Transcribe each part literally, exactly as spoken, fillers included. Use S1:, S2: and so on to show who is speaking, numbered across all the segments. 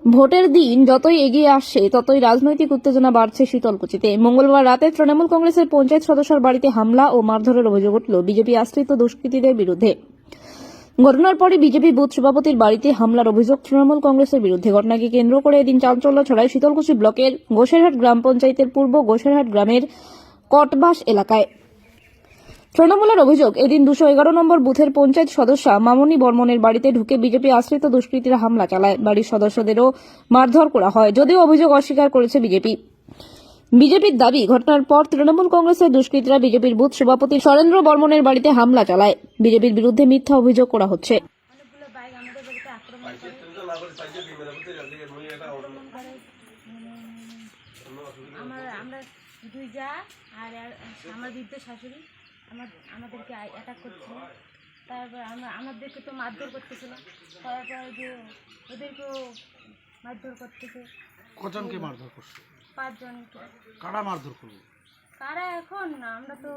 S1: ভোটের দিন যতই এগিয়ে আসছে ততই রাজনৈতিক উত্তেজনা বাড়ছে শীতলকুচিতে। মঙ্গলবার রাতে তৃণমূল কংগ্রেসের পঞ্চায়েত সদস্যের বাড়িতে হামলা ও মারধরের অভিযোগ উঠল বিজেপি আশ্রিত দুষ্কৃতীদের বিরুদ্ধে। ঘটনার পরে বিজেপি বুথ সভাপতির বাড়িতে হামলার অভিযোগ তৃণমূল কংগ্রেসের বিরুদ্ধে। ঘটনাকে কেন্দ্র করে এদিন চাঞ্চল্য ছড়ায় শীতলকুচি ব্লকের গোসেরহাট গ্রাম পঞ্চায়েতের পূর্ব গোসেরহাট গ্রামের কটবাস এলাকায়। তৃণমূলের অভিযোগ, এদিন দুশো এগারো নম্বর বুথের পঞ্চায়েত সদস্যা মামনি বর্মনের বাড়িতে ঢুকে বিজেপি আশ্রিত দুষ্কৃতীরা হামলা চালায়। বাড়ির সদস্যদেরও মারধর করা হয়, যদিও অভিযোগ অস্বীকার করেছে বিজেপি। বিজেপির দাবি, ঘটনার পর তৃণমূল কংগ্রেসের দুষ্কৃতীরা বিজেপির বুথ সভাপতি সরেন্দ্র বর্মনের বাড়িতে হামলা চালায়। বিজেপির বিরুদ্ধে মিথ্যা অভিযোগ করা হচ্ছে।
S2: অনেকগুলো বাইক আমাদের বাড়িতে আক্রমণ করে আক্রমণ করে আমার আমরা দুই যা আর আমার বৃদ্ধ শাশুড়ি আমার আমাদেরকে অ্যাটাক করছিল। তারপর আমরা আমাদেরকে তো মারধর করতেছিল, তারপর যে ওদেরকেও মারধর করতেছে।
S3: কজনকে মারধর করছে?
S2: পাঁচজনকে।
S3: কারা মারধর করবে?
S2: কারা এখন আমরা তো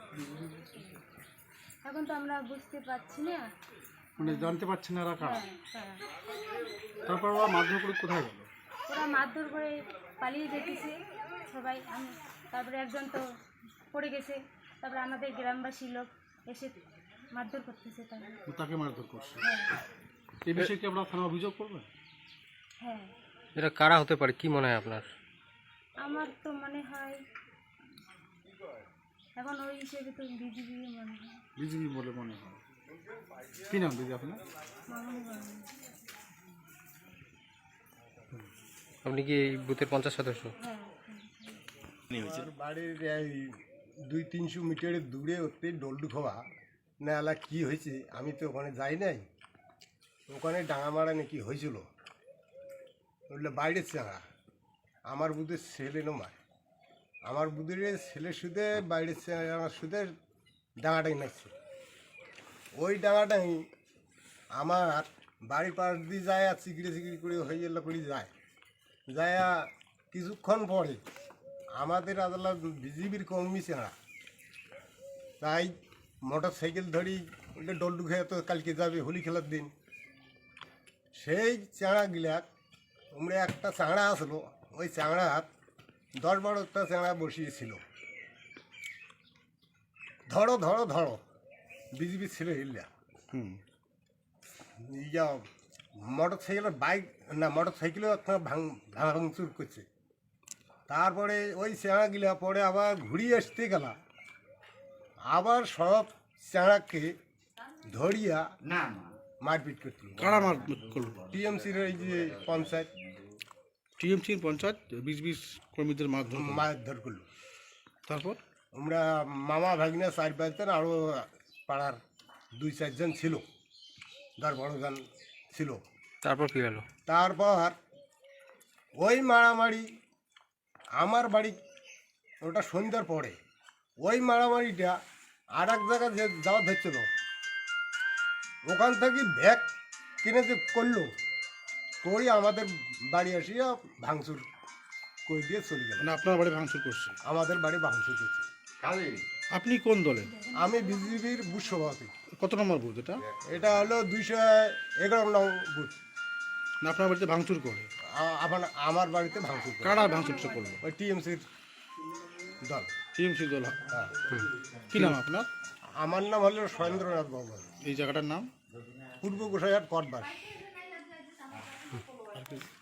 S2: এখন তো আমরা বুঝতে পারছি না,
S3: মানে জানতে পারছেন না এরা কারা।
S2: হ্যাঁ, কারা।
S3: তারপর ওরা মারধর করে কোথায় গেল?
S2: ওরা মারধর করে পালিয়ে যেতেছে সবাই। আমি তারপরে একজন তো পড়ে গেছে, তারপরে আমাদের গ্রামবাসী লোক এসে মারধর করতেছে তাকে
S3: তাকে মারধর করছে।
S2: হ্যাঁ
S3: এই বিষয়ে কি আপনারা থানা অভিযোগ করবেন?
S2: হ্যাঁ
S4: এটা কারা হতে পারে কি মনে হয় আপনার?
S2: আমার তো মনে হয় এখন ওই হিসেবে তো বিজেপি মনে হয়।
S3: বিজেপি বলে মনে হয়। কি নাম দিদি আপনার?
S2: মামনি বর্মন।
S4: আপনি কি এই বুথের পঞ্চাশ সদস্য?
S2: হ্যাঁ
S5: বাড়ির এই দুই তিনশো মিটারের দূরে ওতে ডলডু খাওয়া নালা কি হয়েছে আমি তো ওখানে যাই নাই। ওখানে ডাঙা মারা নাকি হয়েছিল, বললে বাইরের চাঙা আমার বুধের ছেলে নমার আমার বুধের ছেলে সুদে বাইরের আমার সুদের ডাঙাটাই নাচছে। ওই ডাঙাটাই আমার বাড়ির পাশ দিয়ে যায় আর চিকড়ি চিকড়ি করে হয়ে গেল করে যায় যায় কিছুক্ষণ পরে আমাদের আদালত বিজেপির কর্মী চেঁড়া তাই মোটর সাইকেল ধরি ওইটা ডলডু খেয়ে তো কালকে যাবে হোলি খেলার দিন। সেই চাঁড়াগুলাক আমরা একটা চাঁড়া আসলো, ওই চাঁড়া দশ বারোটা চাঁড়া বসিয়েছিল। ধরো ধরো ধরো বিজেপি ছিল হিল্লা।
S3: হুম
S5: ইয়া মোটর সাইকেলের বাইক না মোটর সাইকেলেও আপনার ভাঙ ভাঙচুর করছে। তারপরে ওই চাঁড়াগুলা পরে আবার ঘুরিয়ে আসতে গেলা, আবার সব চাঁড়াকে ধরিয়া না মারপিট করতে।
S3: কারা মারপিট করলো?
S5: টিএমসির এই যে পঞ্চায়েত
S3: টিএমসির পঞ্চায়েত বিজেপি কর্মীদের মারধর করলো।
S5: মারধর করলো।
S3: তারপর
S5: আমরা মামা ভাগিনা চার পাঁচজন আরও পাড়ার দুই চারজন ছিল, দশ বারোজন ছিল।
S4: তারপর কি হলো?
S5: তারপর ওই মারামারি আমার বাড়ি ওটা সন্ধ্যার পরে ওই মারামারিটা আর এক জায়গায় যে যাওয়া ধরছিল, ওখান থেকে ব্যাগ কিনে যে করলো করে আমাদের বাড়ি আসিয়া ভাঙচুর করে দিয়ে চলে গেল।
S3: মানে আপনার বাড়ি ভাঙচুর করছে?
S5: আমাদের বাড়ি ভাঙচুর করছে।
S3: আপনি কোন দলে?
S5: আমি বিজেপির বুথ সভাপতি।
S3: কত নম্বর বুথ এটা?
S5: এটা হলো দুইশো এগারো নং বুথ।
S3: না আপনার বাড়িতে ভাঙচুর করে?
S5: আ- আমার আমার বাড়িতে ভাঙচুর করে।
S3: কারা ভাঙচুরটা করলো?
S5: ওই টিএমসির দল।
S3: টিএমসির দল।
S5: হ্যাঁ।
S3: কি নাম আপনার?
S5: আমার নাম হলো সরেন্দ্রনাথ বর্মন,
S3: এই জায়গাটার নাম?
S5: পূর্ব গোসাইহাট কটবাস।
S3: আর কি?